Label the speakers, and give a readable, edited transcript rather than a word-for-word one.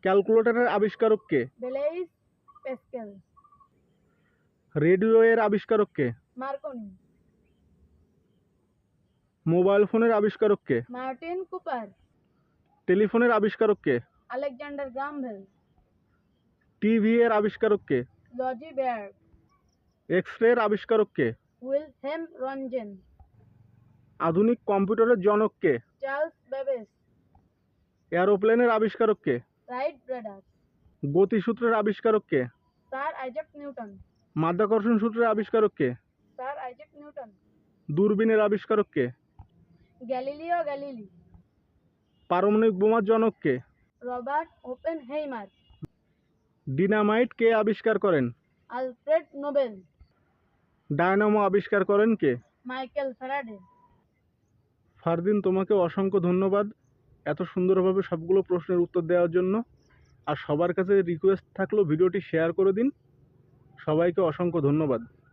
Speaker 1: ক্যালকুলেটরের আবিষ্কারক কে?
Speaker 2: Blaze Pascal.
Speaker 1: Radio এর আবিষ্কারক কে?
Speaker 2: মার্কনি।
Speaker 1: মোবাইল ফোনের আবিষ্কারক কে?
Speaker 2: Martin Cooper.
Speaker 1: টেলিফোনের আবিষ্কারক কে?
Speaker 2: Alexander Graham Bell.
Speaker 1: টিভি এর আবিষ্কারক কে?
Speaker 2: লজি বেয়ার্ড।
Speaker 1: এক্স রে এর আবিষ্কারক কে?
Speaker 2: উইলহেম রনজেন।
Speaker 1: আধুনিক কম্পিউটারের জনক কে?
Speaker 2: Charles Babbage.
Speaker 1: এরোপ্লেনের আবিষ্কারক কে?
Speaker 2: Right brothers.
Speaker 1: গতিসূত্রের আবিষ্কারক কে?
Speaker 2: Sir Isaac Newton.
Speaker 1: মাধ্যাকর্ষণ সূত্রের আবিষ্কারক কে?
Speaker 2: Sir Isaac Newton.
Speaker 1: দূরবীনের আবিষ্কারক কে?
Speaker 2: Galileo Galilei.
Speaker 1: পারমাণবিক বোমার জনক কে?
Speaker 2: Robert Oppenheimer.
Speaker 1: ডিনামাইট কে আবিষ্কার করেন?
Speaker 2: Alfred Nobel.
Speaker 1: ডায়নামো আবিষ্কার করেন কে?
Speaker 2: Michael Faraday.
Speaker 1: ফারদিন, তোমাকে অসংখ্য ধন্যবাদ এত সুন্দরভাবে সবগুলো প্রশ্নের উত্তর দেওয়ার জন্য। আর সবার কাছে রিকোয়েস্ট থাকলো ভিডিওটি শেয়ার করে দিন। সবাইকে অসংখ্য ধন্যবাদ।